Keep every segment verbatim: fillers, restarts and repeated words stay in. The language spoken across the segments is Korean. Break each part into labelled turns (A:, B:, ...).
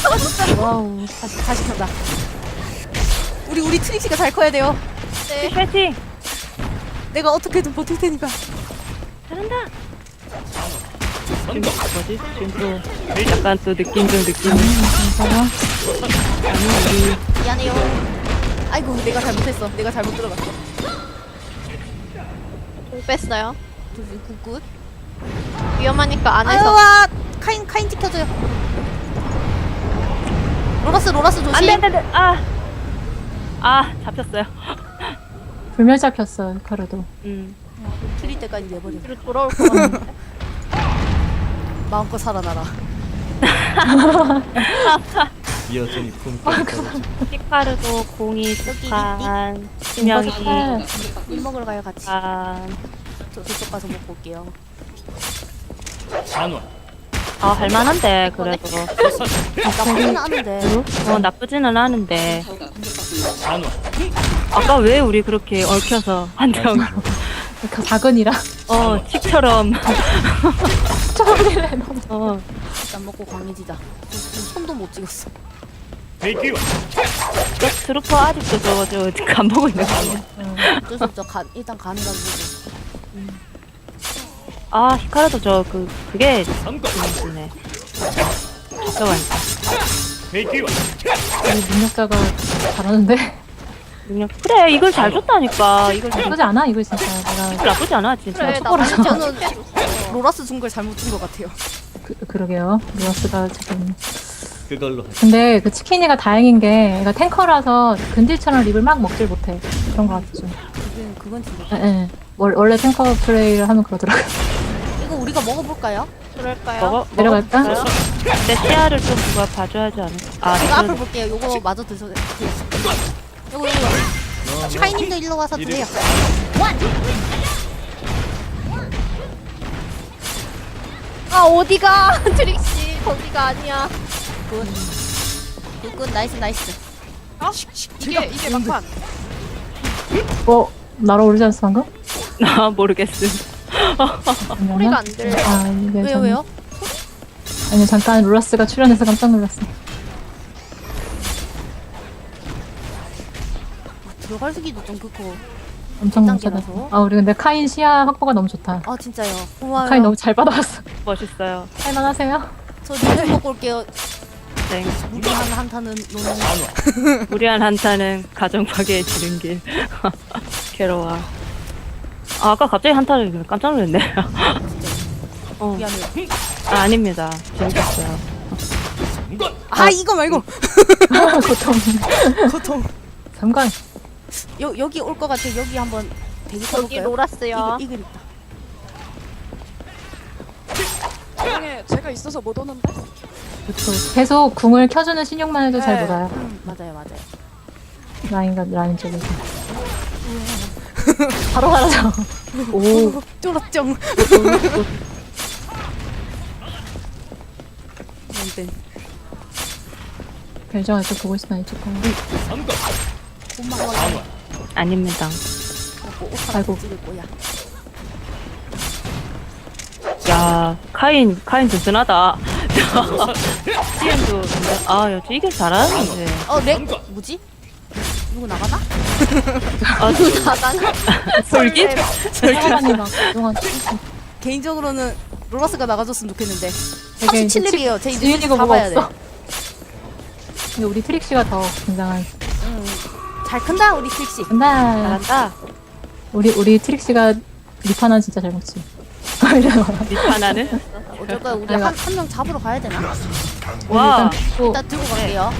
A: 와우.
B: 다시 다시 켰다. 우리 우리 트릭시가 잘 커야 돼요.
C: 네. 파이팅.
B: 내가 어떻게든 버틸 테니까.
C: 잘한다. 지금 뭐지? 지금 또 약간 또 느낌 좀 느낌.
A: 괜찮아?
C: 아니 우리
B: 미안해요. 아이고 내가 잘못했어. 내가 잘못 들어갔어.
D: 공 뺐어요.
B: 굿굿.
D: 위험하니까
B: 아유
D: 안에서.
B: 와 카인 카인 지켜줘요. 로라스 로라스 조심.
C: 안돼 안돼 안돼. 아. 아 잡혔어요.
A: 불멸 잡혔어, 카르도.
C: 음.
B: 틀릴 때까지 내버려.
D: 뒤로 돌아올 것 같은데.
B: 마음껏 살아나라.
E: 여전히 품격 떨어져.
C: 히카르도 공이 두칸 수명이
B: 일 먹으러 가요 같이.
C: 한.
B: 저 저쪽 가서 먹고 올게요.
E: 한원
C: 아 할만한데 그래도.
B: 나쁘지는 않은데.
C: 어 나쁘지는 않은데.
E: 한원
C: 아까 왜 우리 그렇게 얽혀서 한정
A: 그 작은이라.
C: 어 칙처럼.
A: 저리래, 너.
C: 어
B: 일단 먹고 강해지자. 손도 못 찍었어.
E: 대기와
C: 저 트루퍼 아직도 저거 저간 보고 있는 거 아니야?
B: 어쩔 수 없죠. 가, 일단 가는 거 보고.
C: 아 히카르도 저 그 그게
E: 삼건
C: 재밌네. 잠깐만.
E: 대기와
A: 우리 능력자가 잘하는데.
C: 능력 그래 이걸 잘 줬다니까. 이걸 잘
A: 나쁘지 않아, 이거 진짜. 내가.
C: 나쁘지 않아 진짜.
D: 그래 나
A: 초보라서.
D: 많이
B: 저는 로라스 준 걸 잘못 준 것 같아요.
A: 그, 그러게요. 로라스가 지금.
E: 그걸로 하자.
A: 근데 그 치킨이가 다행인 게 얘가 탱커라서 근딜처럼 립을 막 먹질 못해. 그런 거 같죠.
B: 그건 그건 진짜.
A: 예, 예. 월- 원래 탱커 플레이를 하면 그러더라고요.
B: 이거 우리가 먹어볼까요?
D: 그럴까요?
C: 먹어
A: 내려갈까?
C: 먹었어요? 근데 시야를 좀 누가 봐줘야지 않을까? 아
B: 제가 앞을
C: 그래도-
B: 볼게요. 요거 마저 드셔도 돼요. 요거 요거. 카이님도 일로 와서 드세요.
D: 아 어디가 트릭씨 거기가 아니야.
B: 굿. 굿굿 나이스 나이스.
D: 어? 이게 이게 막판.
A: 어? 날아오르지 않았어, 방금?
C: 나 모르겠음.
D: 소리가 안 들려.
A: 아, 이게
B: 왜요
A: 참-
B: 왜요?
A: 아니, 잠깐 로라스가 출연해서 깜짝 놀랐어.
B: 들어갈 수기도 좀 그렇고.
A: 엄청
B: 단계라서.
A: 멈춰서. 아, 우리 근데 카인 시야 확보가 너무 좋다.
B: 아 진짜요. 고마워요.
A: 카인 너무 잘 받아왔어.
C: 멋있어요.
A: 할만하세요?
B: 저 리듬 먹고 올게요.
C: 네.
B: 무리한 한타는 노는.
C: 무리한 한타는 가정 파괴에 지른 길. 괴로워. 아, 아까 갑자기 한타를 깜짝 놀랐네. 어.
B: 미안해요.
C: 아, 아닙니다. 재밌었어요.
E: 삼건
B: 아 이거 말고.
A: 고통.
B: 고통.
A: 잠깐.
B: 여 여기 올 것 같아. 여기 한번 대기
D: 여기
B: 타볼까요?
D: 로라스요.
B: 이글 이글 있다.
F: 세상에 제가 있어서 못 오는데?
A: 그쵸. 계속 궁을 켜주는 신용만 해도 잘
F: 네.
A: 몰아요.
B: 음, 맞아요 맞아요.
A: 라인과 라인 쪽에서. 바로 가라죠. 오.
B: 쫄았정. 땡.
A: 별정을 또 보고 있으면 이쪽 거.
E: 삼건
B: 엄마가
E: 한원
C: 아닙니다.
B: 먹고 옷
A: 아이고.
B: 하나 찍을 거야.
C: 야, 카인, 카인 든든하다. 지금도, 근데, 아, 여기 이길 잘하는데.
B: 어 렉? 뭐지? 누구 나가나?
C: 아,
D: 누구 나가나?
C: 솔깃?
A: 사람이 막 그동안
B: 개인적으로는 로라스가 나가줬으면 좋겠는데.
A: 되게
B: 삼십칠 렙이에요. 제 이제
A: 지인이고 뭐가
B: 잡아야 돼.
A: 없어. 근데 우리 트릭씨가 더 굉장한.
B: 응. 잘 큰다 우리 트릭시.
A: 근데
C: 잘한다.
A: 우리 우리 트릭씨가 리파는 진짜 잘 먹지.
C: 리파나는?
B: 어쩔 거야 우리
A: 아이고.
B: 한 한 명 잡으러 가야 되나?
C: 와,
A: 일단 또
B: 일단 들고 갈게요.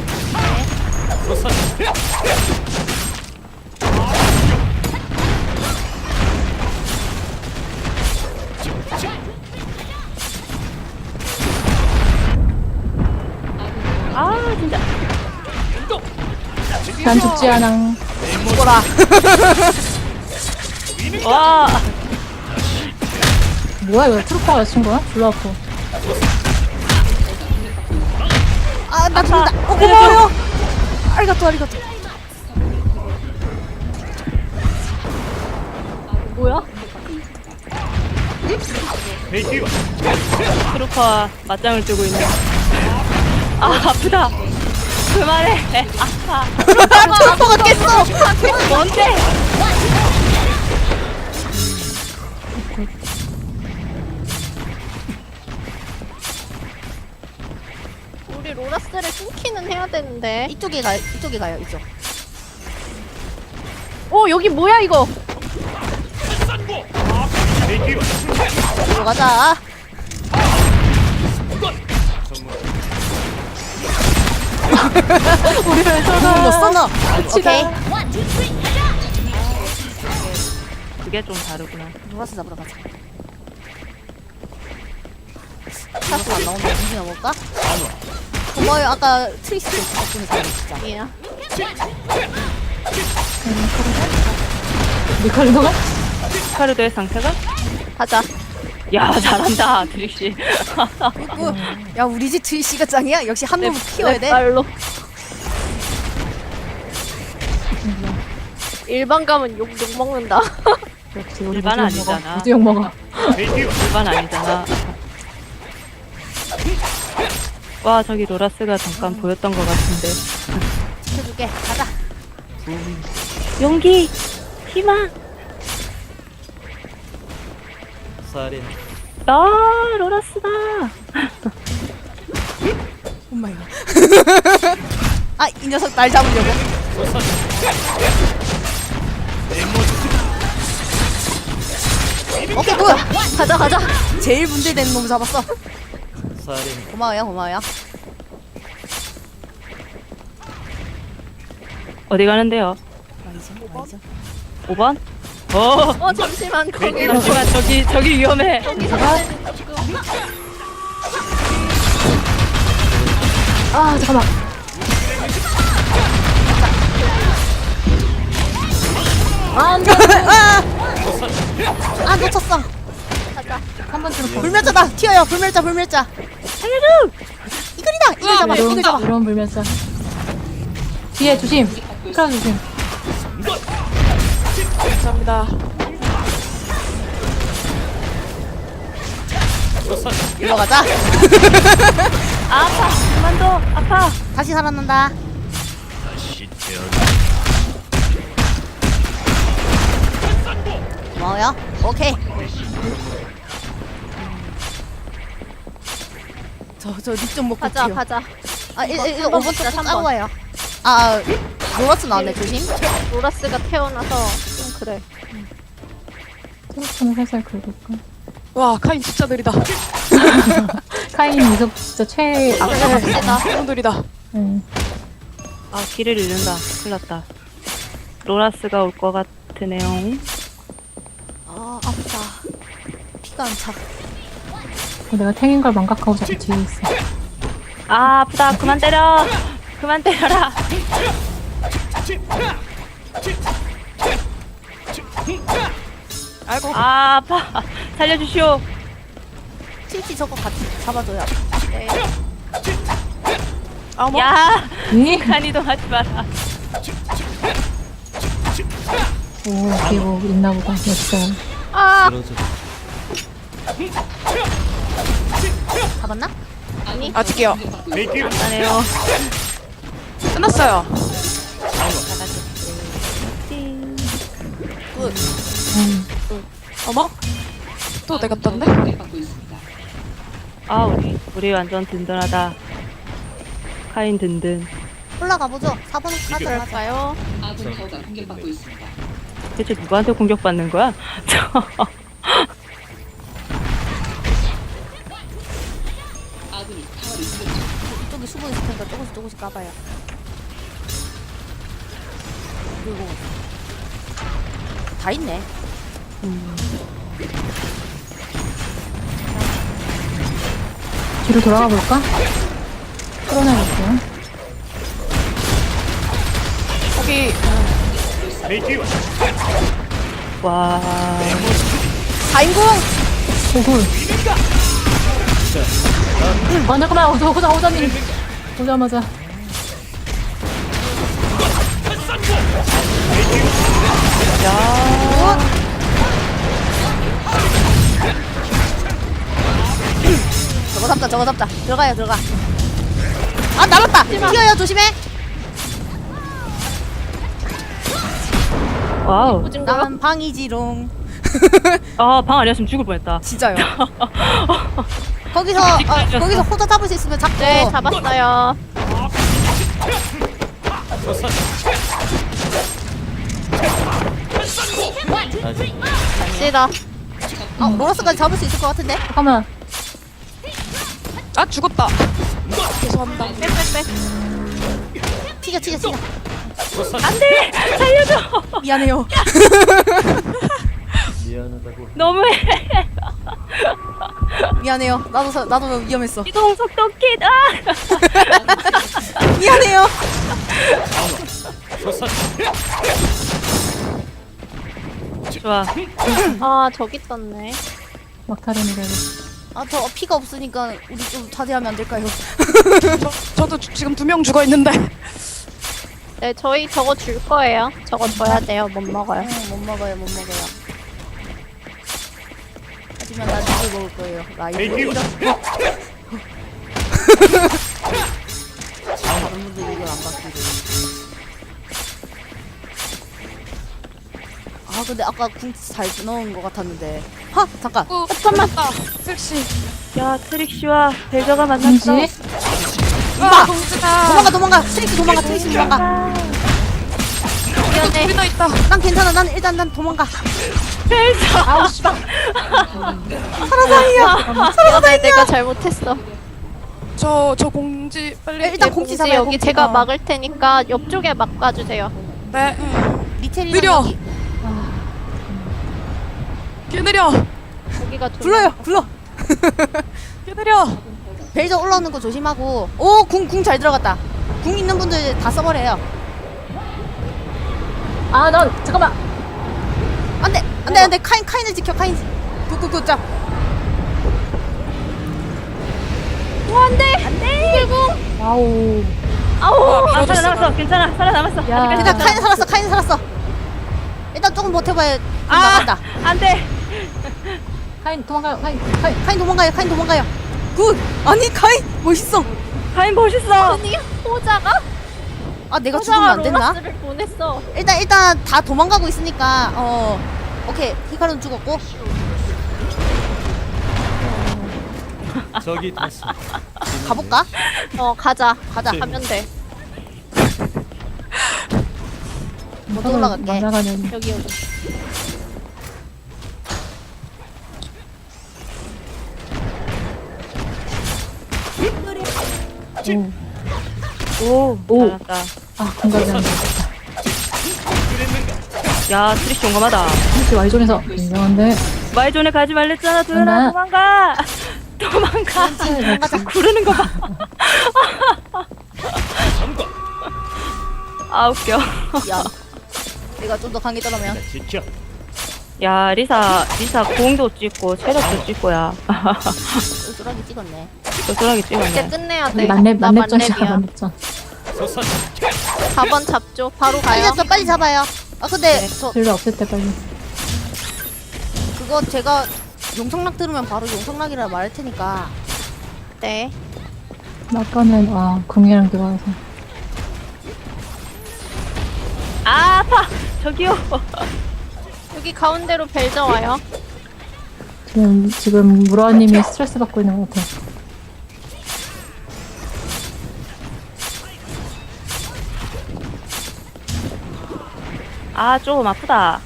C: 아, 진짜.
A: 난 죽지 않아.
B: 죽어라.
C: 와,
A: 뭐야 이거 트루퍼가 친 거야? 졸라 아파.
B: 아나 죽는다. 어 고마워요. 아리가또 아리가또.
D: 뭐야?
E: 대기와
C: 트루퍼와 맞짱을 뜨고 있는. 아 아프다. 그만해. 아파.
B: 트로퍼가 깼어.
C: 뭔데?
D: 우리 로라스를 끊기는 해야 되는데.
B: 이쪽에 가요. 이쪽에 가요. 이쪽.
D: 어 여기 뭐야 이거?
E: 대기와
B: 들어가자.
A: 우리를
B: 너
A: 쏘나.
B: 써너. 오케이.
C: 그게 좀 다르구나.
B: 로라스 잡으러 가자. 타스 안 나오는데 정신 나볼까? 고마워요. 아까 트리스 덕분에 잘 진짜.
D: 예.
A: 리컬도가?
C: 카르도의 상태가?
D: 가자.
C: 야 잘한다 드릭씨.
B: 뭐, 야 우리 집 트리시가 짱이야. 역시 한 몸을 키워야 돼.
D: 빨로. 일반 가면 욕, 욕 먹는다.
A: 그렇지. 우리
C: 일반
A: 무지용 먹어.
C: 아니잖아.
A: 무지용 먹어.
E: 대기와
C: 일반 아니잖아. 와 저기 로라스가 잠깐 보였던 것 같은데.
B: 지켜줄게. 가자.
C: 용기, 희망.
E: 살인
C: 아 로라스다.
B: 엄마야. 아, 이 녀석 날 잡으려고. 오케이, 굿. 가자, 가자. 제일 문제되는 놈 잡았어.
E: 살인
B: 고마워요, 고마워요.
C: 어디 가는데요?
B: 와이죠, 와이죠.
C: 오 번? 어.
D: 어 잠시만 거기
C: 잠시만 저기 저기 위험해.
A: 아 잠깐만. 아 안돼.
B: 아, 아, 놓쳤어.
A: 한번 들어.
B: 불멸자다. 튀어요, 불멸자, 불멸자. 살려줘. 이글이다. 이글 잡아, 이글 잡아.
A: 이런 불면서. 뒤에 조심. 크라 조심.
F: 감사합니다.
B: 일로 가자.
C: 아파. 그만둬. 아파.
B: 다시 살아난다.
E: 다시 태어나
B: 고마워요. 오케이. 저, 저, 닉좀 먹고
D: 가자
B: 튀어.
D: 가자.
B: 아, 일, 일, 일,
D: 삼 번
B: 오 번
D: 먹자,
B: 또
D: 삼
B: 따로
D: 번.
B: 와요. 아, 로라스 나왔네, 조심.
D: 로라스가 태어나서 좀 그래.
A: 트로프는 살살 긁을까?
F: 와 카인 진짜 느리다.
A: 카인 이속 진짜 최. 아,
F: 너무 느리다.
A: 응.
C: 아 길을 잃는다. 큰일 났다. 로라스가 올 것 같으네요.
B: 아, 아프다. 피가 안 차.
A: 내가 탱인 걸 망각하고 자꾸 뒤에 있어.
C: 아 아프다. 그만 때려. 그만 때려라.
F: 아이고.
C: 아 아파. 살려주시오.
B: 트리치 저거 같이 잡아줘요.
F: 어머.
C: 야
A: 이?
C: 간 이동하지 마라.
A: 오, 뒤에 뭐 있나 보다. 역시.
D: 아
E: 그러죠
B: 잡았나?
F: 아직이요.
E: 대기와
C: 안해요.
F: 끝났어요.
B: 굿.
A: 음.
F: 어머. 또 내가 떴네.
C: 아 우리 우리 완전 든든하다. 카인 든든.
B: 올라가보죠. 사 번까지 가자.
D: 그럴까요?
C: 대체 누구한테 공격받는 거야?
B: 이쪽에 수분 있을 테니까 조금씩 조금씩 까봐요. 그리고 다 있네.
A: 뒤로 돌아가 볼까? 끌어내볼게요.
F: 거기
E: 대기와
C: 와.
B: 사인공!
A: 오굴. 아 잠깐만. 오자 오자 오자님. 오자마자.
B: 저거 잡자, 저거 잡자. 들어가요, 들어가. 아 날았다. 튀어요 조심해.
C: 와우.
D: 무진 거요?
B: 난 방이지롱.
C: 아, 방 아니었으면 죽을 뻔했다.
B: 진짜요. 거기서 어, 거기서 호자 잡을 수 있으면 잡고.
D: 네, 잡았어요.
E: 아직
D: 갑시다.
B: 어, 로라스까지 잡을 수 있을 것 같은데.
A: 잠깐만.
F: 아 죽었다. 죄송합니다.
D: 빽빽빽.
B: 튀겨 튀겨 튀겨.
C: 안돼, 살려줘.
B: 미안해요.
E: 미안하다고.
C: 너무해.
B: 미안해요. 나도 사, 나도 위험했어.
C: 이동 속도 킷. 아.
B: 미안해요.
C: 좋아.
D: 아, 저기 떴네.
A: 막타름이래.
B: 아 저 피가 없으니까 우리 좀 자제하면 안 될까요?
F: 저, 저도 주- 지금 두 명 죽어 있는데.
D: 네, 저희 저거 줄 거예요. 저거 줘야 돼요. 못 먹어요.
B: 응, 못 먹어요 못 먹어요. 하지만 난 이걸 먹을 거예요. 라이브.
E: 메이티오.
B: 다른 분들 이걸 안 받기로. 아 근데 아까 궁치 잘 넣은 것 같았는데. 하 잠깐.
F: 어, 잠깐만. 트릭시.
C: 야, 트릭시와 벨저가 만났어.
A: 뭔지?
B: 이봐.
F: 동지다.
B: 도망가 도망가. 트릭스 도망가 트릭스 도망가.
F: 미안해. 둘이나 있다.
B: 난 괜찮아. 난 일단 난 도망가.
C: 벨저.
B: 아우 씨발.
D: 미안해, 내가 잘못했어.
F: 저 저 공지 빨리.
B: 일단
D: 네,
B: 공지
D: 공지
B: 잡아요.
D: 여기
B: 공지.
D: 제가
B: 어.
D: 막을 테니까 옆쪽에 막아주세요.
F: 네.
B: 리텔이랑
F: 느려.
B: 여기.
F: 개 느려.
D: 여기가 좀
B: 불러요. 불러.
F: 개 느려.
B: 벨저 올라오는 거 조심하고. 오, 궁, 궁 잘 들어갔다. 궁 있는 분들 다 써버려요.
A: 아, 넌 잠깐만.
B: 안 돼, 안 돼, 안 돼. 카인, 카인을 지켜, 카인. 굿굿굿, 자.
A: 와우.
C: 아우. 아,
F: 밀어줬어,
C: 살아남았어. 괜찮아. 살아남았어.
A: 야.
C: 아직
B: 일단
C: 괜찮아.
B: 카인 살았어, 카인 살았어. 일단 조금 버텨봐야 궁
C: 아,
B: 나간다.
C: 안 돼.
A: 카인 도망가요. 카인. 카인.
B: 카인 도망가요, 카인 도망가요. 굿! 아니, 카인! 멋있어!
C: 가인 멋있어.
D: 아니, 호자가?
B: 아, 내가 죽으면
D: 호자가
B: 안 됐나?
D: 로라스를 보냈어.
B: 일단, 일단 다 도망가고 있으니까, 어. 오케이, 히카루는 죽었고.
E: 저기 다시.
B: 가볼까?
D: 어, 가자.
B: 가자.
D: 가면 돼.
B: 못 올라갈게.
A: 맞아가는.
D: 여기, 여기.
C: 오.
A: 오.
C: 잘한다.
A: 아, 공감이 안 돼.
C: 야, 트릭시 용감하다.
A: 혹시 Y존에서 인정한데.
C: 마이존에 가지 말랬잖아. 도현아,
A: 엄마.
C: 도망가. 도망가.
B: 도망가자.
C: 구르는 거 봐. 아, 웃겨.
B: 야. 내가 좀 더 강해더라면.
E: 자, 지켜.
C: 야, 리사, 리사 공도 찍고, 체력도 찍고야.
B: 쫄쫄하게 찍었네.
C: 쏠쏠하게
D: 이제
C: 찍었네.
D: 끝내야 돼.
A: 만렙,
D: 나
A: 만렙전이야,
D: 만렙이야.
A: 만렙전.
E: 소선.
D: 사 번 잡죠. 바로
B: 빨리
D: 가요.
B: 잡죠, 빨리 잡아요. 아, 근데 저
A: 딜러 없을 때 빨리.
B: 그거 제가 용성락 들으면 바로 용성락이라 말할 테니까.
D: 네.
A: 아까는, 아, 궁이랑 들어와서.
C: 아, 아파! 저기요.
D: 여기 가운데로 벨저 와요.
A: 지금, 지금, 무라님이 스트레스 받고 있는 것 같아.
C: 아, 조금 아프다.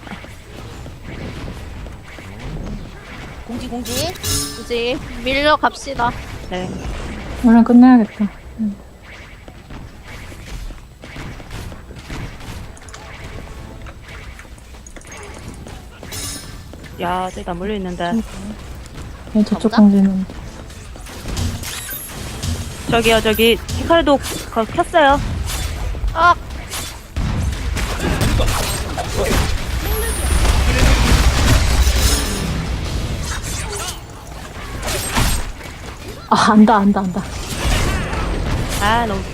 B: 공지, 공지.
D: 이제 밀려 갑시다.
C: 네.
A: 오늘 끝내야겠다.
C: 야, 저기 다 몰려있는데.
A: 네, 저쪽
B: 가보자.
A: 공지는.
C: 저기요, 저기, 히카르도 거 켰어요.
D: 아,
A: 아, 안다, 안다, 안다.
C: 아, 너무.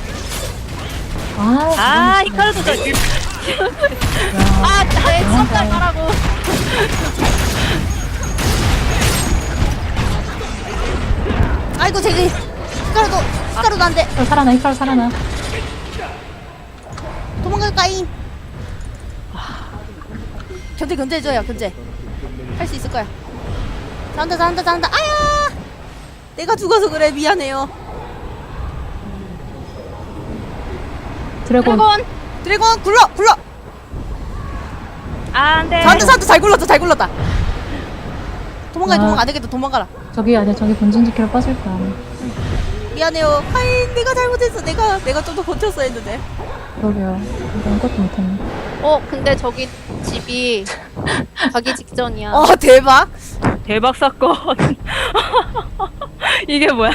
A: 아,
C: 아,
A: 저건
C: 히카르도 저.
D: 아, 내 썸달 가라고.
B: 아이고, 제기. 히카루도. 히카루도 안 돼.
A: 히카루 살아나 히카루 살아나.
B: 도망갈까잉. 견제 견제해줘요 견제. 할 수 있을 거야. 잘한다 잘한다 잘한다. 아야. 내가 죽어서 그래 미안해요.
A: 드래곤.
D: 드래곤.
B: 드래곤 굴러 굴러.
C: 아, 안 돼.
B: 잘한다 잘한다 잘 굴렀다 잘 굴렀다. 도망가
A: 아.
B: 도망가 안 되겠다 도망가라.
A: 저기 아니야 저기 본진 지키러 빠질 거야.
B: 미안해요. 카인 내가 잘못했어. 내가 내가 좀 더 버텼어야 했는데.
A: 그러게요. 이거 아무것도 못했네.
D: 어 근데 저기 집이 가기 직전이야.
B: 어 대박.
C: 대박 사건. 이게 뭐야?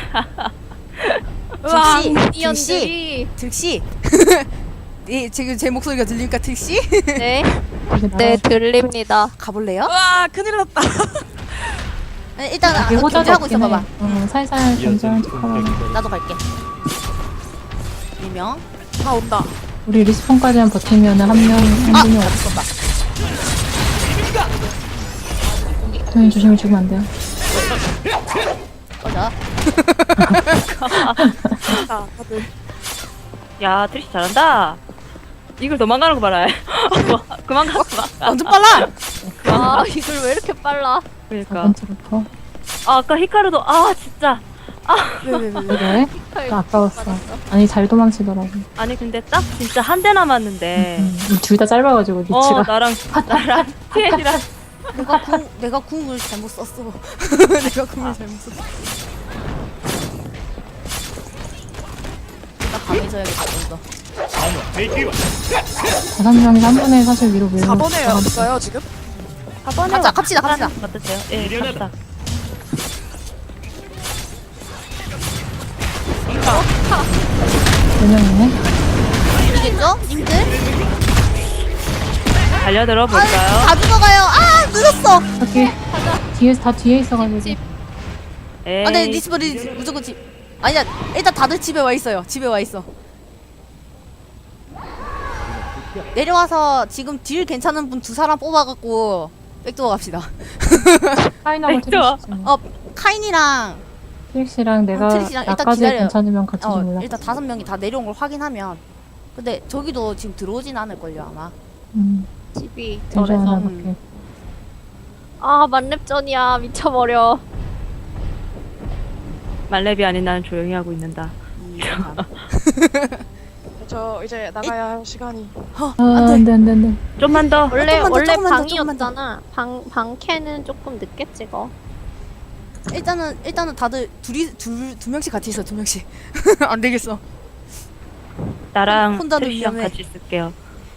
B: 득시 득시
D: 미니언들이.
B: 득시. 네 지금 제 목소리가 들립니까 득시?
D: 네.
A: 이게
D: 네
A: 나라
D: 들립니다.
B: 가볼래요?
F: 와 큰일 났다.
B: 아니, 일단 아,
A: 이게 호자도
B: 견제하고
A: 없긴 해.
B: 있어봐봐.
A: 어, 살살 견제하는 척하고.
B: 나도 갈게. 일명.
F: 다 온다.
A: 우리 리스폰까지만 버티면 한 명, 한 분이 없어.
B: 없었다.
A: 도현 조심히 죽으면 안 돼요.
B: 꺼져.
F: 자 다들.
C: 야, 트리시 잘한다. 이걸 도망가는 거 봐라. 그만 가, 그만 가.
B: 완전 빨라.
D: 아 이걸 왜 이렇게 빨라?
C: 그러니까.
A: 번째 루퍼.
C: 아, 아까 히카루도, 아, 진짜.
B: 왜왜 왜 왜?
A: 왜? 나 아까웠어. 아니 잘 도망치더라고.
C: 아니, 근데 딱 진짜 한 대 남았는데.
A: 음, 둘 다 짧아가지고
C: 어,
A: 리치가.
C: 나랑, 나랑, 티엔이랑.
B: 내가 궁 내가 궁을 잘못 썼어. 내가 궁을 잘못 썼어. 일단 강해져야겠다 좀 더.
A: 다섯 명이서 한 번에 사실 위로 밀고.
F: 사 번에 없어요 지금?
C: 사 번에
B: 갑시다, 갑시다, 갑시다.
C: 어떠세요? 예, 갑시다.
A: 네 명이네.
B: 이기겠죠? 님들?
C: 달려들어
B: 아,
C: 볼까요?
B: 다 죽어가요. 아 늦었어.
A: 저기 뒤에 다 뒤에 있어가지고.
D: 집.
C: 에이,
B: 아, 네 리스버리 무조건 집. 아니야 일단 다들 집에 와 있어요. 집에 와 있어. 내려와서 지금 딜 괜찮은 분 두 사람 뽑아갖고 백도어 갑시다.
A: 파이널
C: 백도어.
A: 트릭시.
B: 어 카인이랑
A: 트릭시랑 내가
B: 어, 트릭시랑 일단
A: 나까지
B: 기다려요.
A: 괜찮으면 같이
B: 어
A: 좀 올라.
B: 일단 다섯 명이 다 내려온 걸 확인하면. 근데 저기도 지금 들어오진 않을걸요 아마.
A: 음,
D: 집이
A: 전전
D: 저래서.
A: 하나
B: 음.
A: 밖에.
D: 아 만렙전이야 미쳐버려.
C: 말렙이 아닌 나는 조용히 하고 있는다.
B: 이 사람.
F: 저 이제 나가야 할 시간이.
B: 어,
A: 아,
B: 안 돼.
A: 안 돼, 안 돼, 안 돼.
D: 원래
B: 조금만 더,
D: 원래
B: 조금만 더, 조금만 더.
D: 방이었잖아. 방 방캐는 조금 늦게 찍어.
B: 일단은 일단은 다들 둘이 둘 두 명씩 같이 있어 두 명씩. 안 되겠어.
C: 나랑
B: 혼자는
C: 트리시랑
B: 위험해.
C: 같이 있을게요.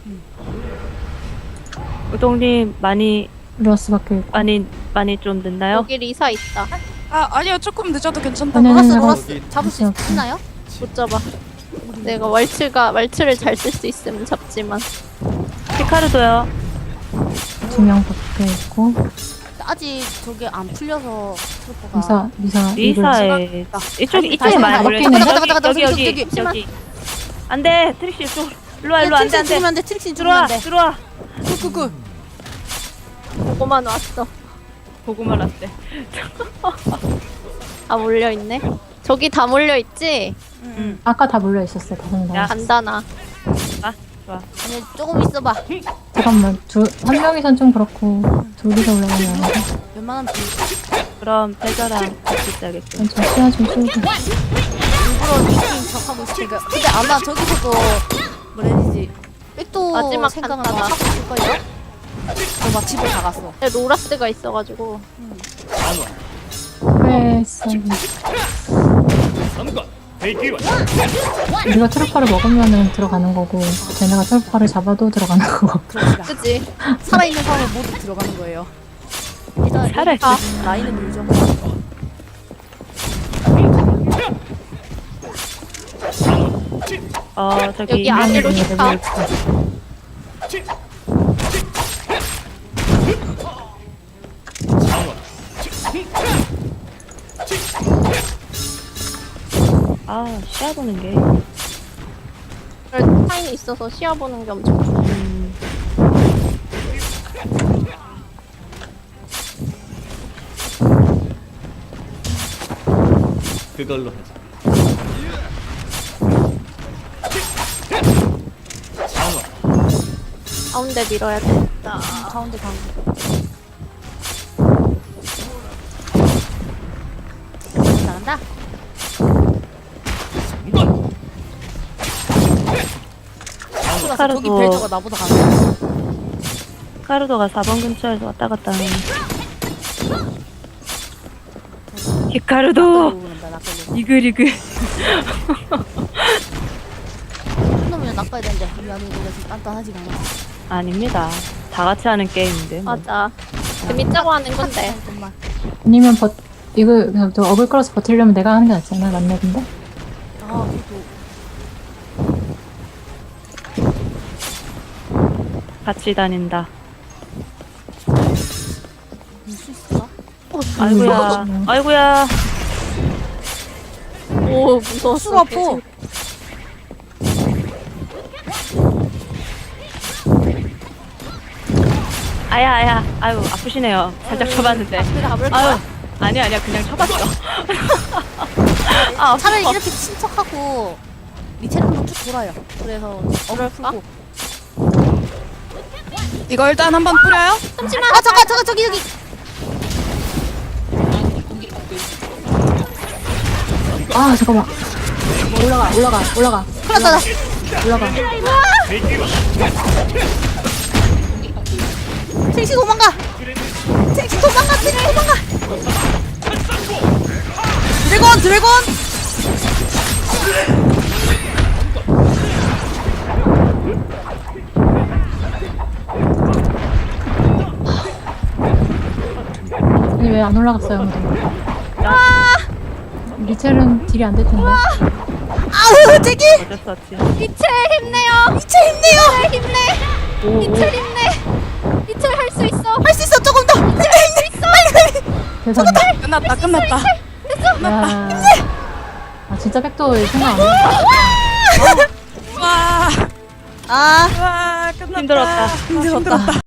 C: 우동님 많이
A: 루아스 밖에 있고.
C: 많이 많이 좀 늦나요?
D: 여기 리사 있다.
F: 아 아니요 조금 늦어도 괜찮다고.
A: 아니, 아니,
B: 로라스
A: 아니,
B: 로라스 잡을 수
A: 오케이, 오케이.
B: 있나요?
D: 못 잡아. 내가 왈츠가 왈츠를 잘 쓸 수 있으면 잡지만.
C: 히카루도요.
A: 두 명 밖에 있고.
B: 아직 저게 안 풀려서 트루퍼가.
A: 리사, 리사. 이걸
C: 리사에 이쪽 이쪽에
B: 다시
C: 많이
B: 가자,
C: 몰려
A: 가자,
B: 가자, 가자, 가자,
C: 여기
B: 저기,
C: 여기
B: 저기,
C: 여기. 안돼 트릭시 이쪽. 일로 와 일로 와 안돼
B: 트릭신
C: 안돼.
B: 죽으면 안돼 트릭신 죽으면
C: 들어와
B: 안돼.
C: 들어와.
B: 굿굿굿.
D: 보고만 왔어.
C: 고구마 라떼.
D: 아 몰려 있네. 저기 다 몰려 있지.
B: 응.
A: 아까 다 몰려 있었어, 다섯 명.
C: 야.
D: 간다나.
C: 아 좋아.
B: 아니 조금 있어봐.
A: 잠깐만, 두, 한 명이선 좀 그렇고, 둘이서 올라가면.
B: 웬만하면 좀
C: 그럼 패자랑 같이 있어야겠죠.
A: 저 시야 좀 쏘고.
B: 일부러 미팅 척하고 있으니까. 근데 아마 저기서도 뭐라 해야 되지? 백도
D: 마지막
B: 생각은
D: 간다나.
B: 하고 있을걸요? 저막 집에 다 갔어.
D: 근데 로라스가 있어가지고.
A: 왜 했어. 우리가 트루퍼를 먹으면은 들어가는 거고, 쟤네가 트루퍼를 잡아도 들어가는 거고.
B: 그러니까
D: 그치?
B: 살아있는 사람은 모두 들어가는 거예요. 일단
C: 살아있-
B: 아, 라인을 밀죠.
C: 어 저기
D: 여기 아래로
A: 있는
D: 히카.
A: 애들 있고.
C: 아 시야 보는 게.
D: 그래도 타인이 있어서 시야보는 게 엄청 좋아.
C: 음,
E: 그걸로 하자.
D: 가운데 밀어야 되겠다.
B: 가운데 가운데. 나간다.
C: 카르도.
B: 저기 벨저가 나보다 가네.
C: 카르도가 사 번 근처에서 왔다 갔다 하는. 히카르도
B: 그런다 낚아려.
C: 이글이글.
B: 놈이랑 낚아야 되는데 우리 안에 그래서 단단하지가 않아.
C: 아닙니다. 다 같이 하는 게임인데. 뭐.
D: 맞아. 재밌자고 하는 건데.
B: 정말.
A: 아니면 버 이거 그냥 저 어글 끌어서 버틸려면 내가 하는 게 낫지 않아? 맘맵인데?
B: 아 그래도
C: 같이 다닌다.
B: 밀수 있을까?
C: 아이고야.
A: 음.
C: 아이고야.
D: 오 무서웠어.
B: 수가 아파.
C: 아야 아야. 아유 아프시네요. 살짝 쳐봤는데.
B: 내가 가볼까?
C: 아유 아니야 아니야 그냥 쳐봤어. 아
B: 차라리
C: 아파.
B: 이렇게 친척하고 리체를 한번 쭉 돌아요. 그래서 어글 풀고.
F: 이거 일단 한번 뿌려요.
B: 잠시만. 아 잠깐 잠깐 저기 저기.
A: 아 잠깐만. 올라가 올라가 올라가
B: 큰일 났다. 나.
A: 올라가.
B: 첼시 도망가. 첼시 도망가. 첼시 도망가. 드래곤 드래곤.
A: 아니 왜 안 올라갔어요 아무도? 리첼은 딜이 안 될 텐데.
B: 아우 제기.
C: 어쩔 수 없지.
D: 이첼 힘내요.
B: 미쳐 힘내요.
D: 힘내.
C: 오, 오.
D: 이첼 힘내. 이첼 할 수 있어.
B: 할 수 있어 조금 더. 힘내 힘내. 빨리 빨리.
A: 세상에.
F: 끝났다 끝났다.
A: 야. 아 진짜 백도 생각 안 해.
F: 와.
B: 아
F: 와 끝났다.
C: 힘들었다.
F: 힘들었다.